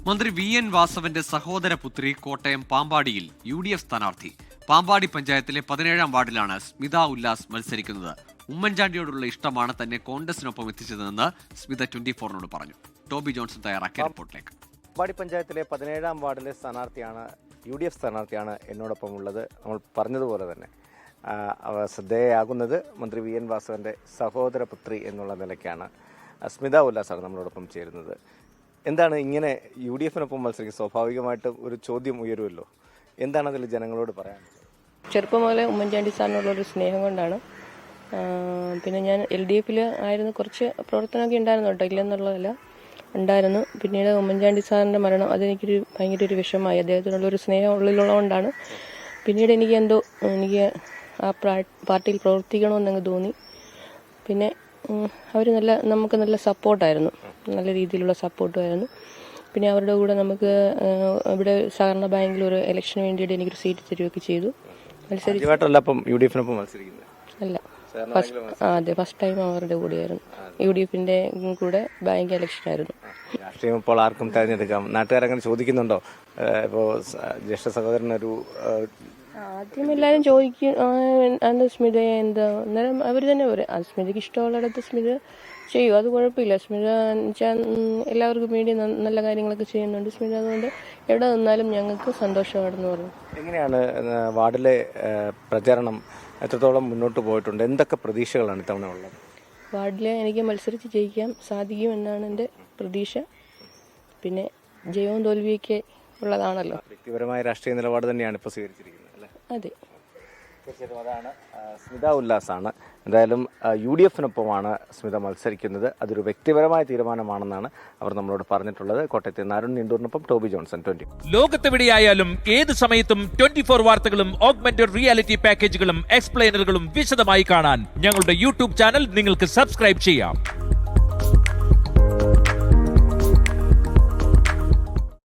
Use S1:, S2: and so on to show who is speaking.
S1: മന്ത്രി V N വാസവന്റെ സഹോദരപുത്രി കോട്ടയം പാമ്പാടിയിൽ UDF സ്ഥാനാർത്ഥി. പാമ്പാടി പഞ്ചായത്തിലെ 17-ാം വാർഡിലാണ് സ്മിത ഉല്ലാസ് മത്സരിക്കുന്നത്. ഉമ്മൻചാണ്ടിയോടുള്ള ഇഷ്ടമാണ് തന്നെ കോൺഗ്രസിനൊപ്പം എത്തിച്ചതെന്ന് സ്മിത 24-നോട് പറഞ്ഞു. ടോബി ജോൺസൺ തയ്യാറാക്കിയ റിപ്പോർട്ടിലേക്ക്.
S2: പാമ്പാടി പഞ്ചായത്തിലെ 17-ാം വാർഡിലെ സ്ഥാനാർത്ഥിയാണ് UDF സ്ഥാനാർത്ഥിയാണ് എന്നോടൊപ്പം ഉള്ളത്. നമ്മൾ പറഞ്ഞതുപോലെ തന്നെ ശ്രദ്ധേയയാകുന്നത് മന്ത്രി വി എൻ വാസവന്റെ സഹോദരപുത്രി എന്നുള്ള നിലയ്ക്കാണ്. സ്മിത ഉല്ലാസാണ് നമ്മളോടൊപ്പം ചേരുന്നത്. എന്താണ് ഇങ്ങനെ UDFനൊപ്പം മത്സരിക്കുക? സ്വാഭാവികമായിട്ടും ഒരു ചോദ്യം ഉയരുമല്ലോ. എന്താണ് അതിൽ ജനങ്ങളോട് പറയാനുള്ളത്?
S3: ചെറുപ്പം മുതലേ ഉമ്മൻചാണ്ടി സാറിനുള്ളൊരു സ്നേഹം കൊണ്ടാണ്. പിന്നെ ഞാൻ LDFൽ ആയിരുന്നു, കുറച്ച് പ്രവർത്തനമൊക്കെ ഉണ്ടായിരുന്നു കേട്ടോ, ഇല്ലെന്നുള്ളതല്ല, ഉണ്ടായിരുന്നു. പിന്നീട് ഉമ്മൻചാണ്ടി സാറിൻ്റെ മരണം അതെനിക്കൊരു ഭയങ്കര ഒരു വിഷമമായി. അദ്ദേഹത്തിനുള്ളൊരു സ്നേഹം ഉള്ളിലുള്ളതുകൊണ്ടാണ്. പിന്നീട് എനിക്ക് ആ പാർട്ടിയിൽ പ്രവർത്തിക്കണമെന്നങ്ങ് തോന്നി. പിന്നെ അവർ നമുക്ക് നല്ല സപ്പോർട്ടായിരുന്നു, നല്ല രീതിയിലുള്ള സപ്പോർട്ടുമായിരുന്നു. പിന്നെ അവരുടെ കൂടെ നമുക്ക് ഇവിടെ സഹകരണ ബാങ്കിൽ ഒരു ഇലക്ഷന് വേണ്ടിയിട്ട് എനിക്കൊരു സീറ്റ് തരികയൊക്കെ ചെയ്തു. അല്ല, ഫസ്റ്റ് ടൈം അവരുടെ കൂടെയായിരുന്നു. UDFന്റെ കൂടെ ബാങ്ക് ഇലക്ഷൻ ആയിരുന്നു.
S2: രാഷ്ട്രീയം ഇപ്പോൾ ആർക്കും തെരഞ്ഞെടുക്കാം. നാട്ടുകാരങ്ങനെ ചോദിക്കുന്നുണ്ടോ? ഇപ്പോൾ ജ്യേഷ്ഠ സഹോദരനൊരു
S3: ആദ്യം എല്ലാവരും ചോദിക്കും എന്താ സ്മിതയെ എന്താ, അന്നേരം അവർ തന്നെ പറയും സ്മിതയ്ക്ക് ഇഷ്ടമുള്ളിടത്ത് സ്മിത ചെയ്യും, അത് കുഴപ്പമില്ല. സ്മിത എല്ലാവർക്കും വേണ്ടി നല്ല കാര്യങ്ങളൊക്കെ ചെയ്യുന്നുണ്ട് സ്മിത, അതുകൊണ്ട് എവിടെ നിന്നാലും ഞങ്ങൾക്ക് സന്തോഷമാണെന്ന് പറഞ്ഞു.
S2: എങ്ങനെയാണ് വാർഡിലെ പ്രചാരണം എത്രത്തോളം മുന്നോട്ട് പോയിട്ടുണ്ട്? എന്തൊക്കെ പ്രതീക്ഷകളാണ് ഇത്തവണ ഉള്ളത്?
S3: വാർഡിലെ എനിക്ക് മത്സരിച്ച് ജയിക്കാൻ സാധിക്കും എന്നാണ് എൻ്റെ പ്രതീക്ഷ. പിന്നെ ജയവും തോൽവിയൊക്കെ ഉള്ളതാണല്ലോ.
S2: വ്യക്തിപരമായ രാഷ്ട്രീയ നിലപാട് തന്നെയാണ് ഇപ്പോൾ സ്വീകരിച്ചിരിക്കുന്നത് അല്ലേ?
S3: അതെ,
S2: തീർച്ചയായിട്ടും അതാണ്. സ്മിത ഉല്ലാസാണ്. എന്തായാലും UDFനൊപ്പമാണ് സ്മിത മത്സരിക്കുന്നത്. അതൊരു വ്യക്തിപരമായ തീരുമാനമാണെന്നാണ് അവർ നമ്മളോട് പറഞ്ഞിട്ടുള്ളത്. കോട്ടയത്ത് നിന്ന് അരുൺ നിണ്ടൂറിനൊപ്പം ടോബി ജോൺസൺ, 20.
S4: ലോകത്തെവിടെയായാലും ഏത് സമയത്തും 24 വാർത്തകളും ഓഗ്മെന്റഡ് റിയാലിറ്റി പാക്കേജുകളും എക്സ്പ്ലെയിനറുകളും വിശദമായി കാണാൻ ഞങ്ങളുടെ YouTube ചാനൽ നിങ്ങൾക്ക് സബ്സ്ക്രൈബ് ചെയ്യാം.